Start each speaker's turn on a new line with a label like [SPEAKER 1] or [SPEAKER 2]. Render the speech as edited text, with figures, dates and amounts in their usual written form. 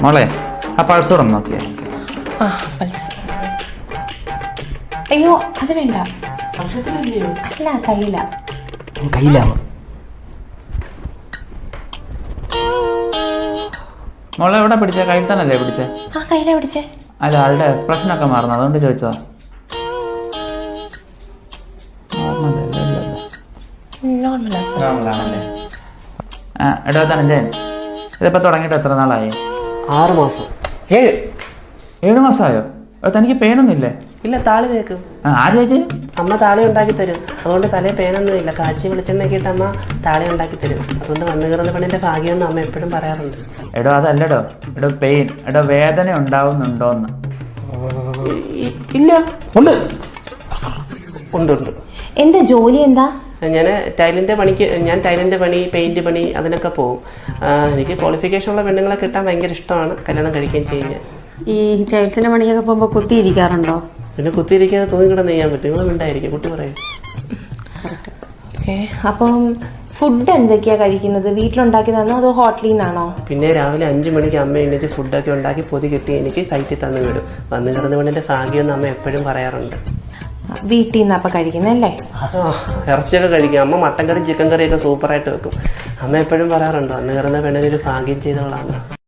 [SPEAKER 1] മോളെ ആ പൾസോടെ നോക്കിയേ.
[SPEAKER 2] ആ പൾസ്. അയ്യോ അത് വേണ്ട. അല്ല കയ്യില.
[SPEAKER 3] കയ്യിലാവും.
[SPEAKER 1] മോളെ എവിടെ പിടിച്ചേ? കയ്യിൽ തന്നെയല്ലേ പിടിച്ചേ?
[SPEAKER 2] ആ കയ്യിലാ പിടിച്ചേ.
[SPEAKER 1] അല്ല ആളുടെ എക്സ്പ്രഷൻ ഒക്കെ മാറുന്നു, അതുകൊണ്ട് ചോദിച്ചതാ. നോർമലാണല്ലേ? എടോ ധനഞ്ജയൻ, ഇതിപ്പോ തുടങ്ങിയിട്ട് എത്ര നാളായി?
[SPEAKER 3] 6 മാസം.
[SPEAKER 1] 7 മാസമായോ? തനിക്ക് പെയിനൊന്നുമില്ലേ?
[SPEAKER 3] ഇല്ല, താളി തേക്കും.
[SPEAKER 1] ആര് ചേച്ചി?
[SPEAKER 3] അമ്മ താളി ഉണ്ടാക്കി തരും. അതുകൊണ്ട് തലേ പേനൊന്നും ഇല്ല. കാച്ചി വെളിച്ചെണ്ണക്കിട്ട് അമ്മ താളി ഉണ്ടാക്കി തരും. അതുകൊണ്ട് വന്നു കയറുന്ന പെണ്ണിന്റെ ഭാഗ്യമെന്ന് അമ്മ എപ്പോഴും പറയാറുണ്ട്.
[SPEAKER 1] എടോ അതല്ലടോ, എടോ പെയിൻ, എടോ വേദന ഉണ്ടാവുന്നുണ്ടോന്ന്.
[SPEAKER 3] ഇല്ല, ഉണ്ട് ഉണ്ട് ഉണ്ട്.
[SPEAKER 2] എന്താ ജോലി? എന്താ?
[SPEAKER 3] ഞാൻ ടൈലിൻ്റെ പണി, പെയിന്റ് പണി അതിനൊക്കെ പോകും. എനിക്ക് ക്വാളിഫിക്കേഷൻ ഉള്ള പെണ്ണുങ്ങളെ കിട്ടാൻ ഭയങ്കര ഇഷ്ടമാണ്. കല്യാണം കഴിക്കുകയും ചെയ്യും ഞാൻ.
[SPEAKER 4] ഈ ടൈൽസിന്റെ പണിയൊക്കെ പോകുമ്പോൾ കുത്തിയിരിക്കാറുണ്ടോ?
[SPEAKER 3] പിന്നെ കുത്തിയിരിക്കാതെ തൂങ്ങിക്കിടന്ന് ചെയ്യാൻ പറ്റും. ഇവിടെ ഉണ്ടായിരിക്കും, കുട്ടി പറയും.
[SPEAKER 2] അപ്പം ഫുഡ് എന്തൊക്കെയാ കഴിക്കുന്നത്? വീട്ടിലുണ്ടാക്കിയതാണോ അതോ ഹോട്ടലിൽ നിന്നാണോ?
[SPEAKER 3] പിന്നെ രാവിലെ 5 മണിക്ക് അമ്മ എണീറ്റ് ഫുഡൊക്കെ ഉണ്ടാക്കി പൊതി കെട്ടി എനിക്ക് സൈറ്റിൽ തന്നു വിടും. വന്നു കിടന്ന പെണ്ണിന്റെ ഭാഗ്യമെന്ന് അമ്മ എപ്പോഴും പറയാറുണ്ട്.
[SPEAKER 2] വീട്ടിൽ നിന്ന് അപ്പൊ കഴിക്കുന്നല്ലേ?
[SPEAKER 3] ഇറച്ചിയൊക്കെ കഴിക്കും. അമ്മ മട്ടൻ കറി ചിക്കൻ കറിയൊക്കെ സൂപ്പറായിട്ട് വെക്കും. അമ്മ എപ്പോഴും പറയാറുണ്ട് വന്നു കിടന്ന പെണ്ണിനൊരു ഭാഗ്യം ചെയ്തവളാണ്.